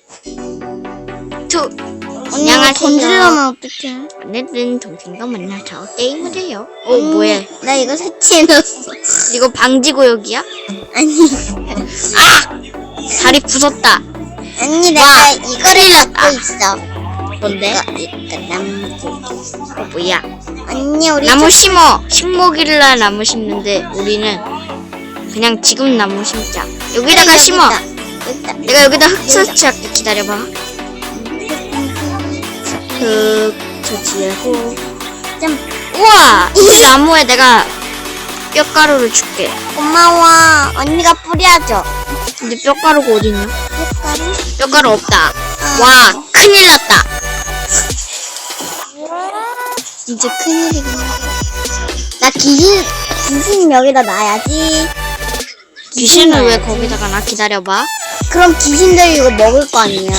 언니가 건드리면 어떡해? 오늘은 동생과 만나서 게임을 해요. 뭐야? 나 이거 설치해놨어. 이거 방지구역이야? 아니. 다리 부쉈다. 아니, 와, 내가 이거를 갖고 있어. 뭔데? 이거 나무. 뭐야? 언니, 우리 나무 심어. 식목일날 나무 심는데 우리는 그냥 지금 나무 심자. 여기다가 심어. 여기다. 내가 여기다 흙 설치할게. 기다려봐. 흙 설치하고. 우와! 이 나무에 내가 뼈가루를 줄게. 고마워. 언니가 뿌려줘. 근데 뼈가루가 어딨냐? 햇가루? 뼈가루 없다. 와, 큰일 났다. 진짜 큰일이구나. 나 귀신 여기다 놔야지. 귀신을 왜 거기다가 나? 기다려봐. 그럼 귀신들이 이거 먹을 거 아니야.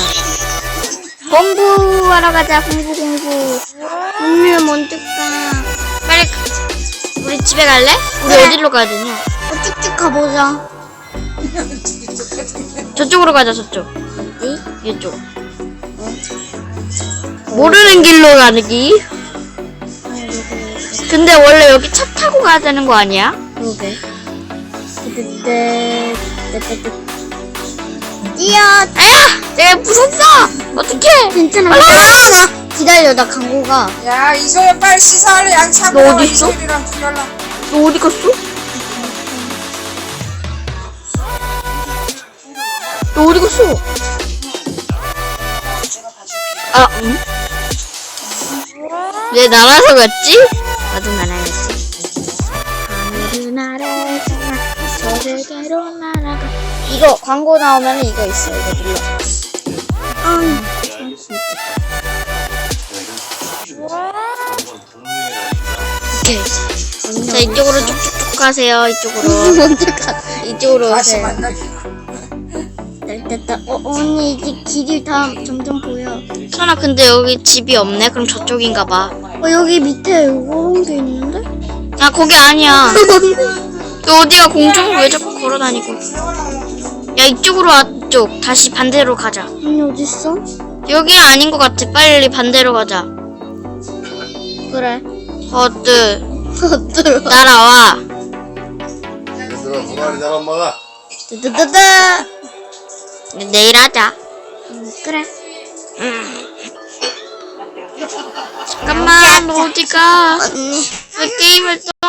공부하러 가자. 공부. 언니 먼저 가. 빨리 우리 집에 갈래? 우리 그래. 어디로 가야 되냐? 쭉쭉 가보자. 저쪽으로 가자. 저쪽. 어디? 이쪽. 모르는 길로 가기. 근데 원래 여기 차 타고 가야 되는 거 아니야? 그러게. 뛰어. 아야! 내가 부쉈어! 어떡해! 괜찮아. 올라가! 기다려, 나 광고가. 야, 이소연 빨리 씻어. 양치하고 너 나와. 어디 있어? 이소연이랑 둘러라. 너 어디 갔어? 너 어디 갔어? 응? 왜 날아서 갔지? 나도 날아야지. 하늘을 날아서 저 세계로 날아가. 이거 광고 나오면 이거 있어. 이거 눌러. 오케이. 자, 이쪽으로 쭉쭉쭉 가세요. 이쪽으로. 먼저 가. 이쪽으로 다시 오세요. 만나기. 됐다. 언니 이제 길이 다 점점 보여. 선아, 근데 여기 집이 없네? 그럼 저쪽인가 봐. 여기 밑에 요런 게 있는데? 야, 거기 아니야. 너 어디가 공중을 왜 자꾸 걸어다니고. 야, 이쪽으로 와. 이쪽. 다시 반대로 가자. 언니 어딨어? 여기 아닌 것 같아. 빨리 반대로 가자. 그래. 어뜨. 어들어. 따라와. 얘들아 고마리잖아 엄마가. 뜨뜨뜨뜨. 내일 하자. 그래. 잠깐만, 너 어디가? 언니. 왜 게임을 또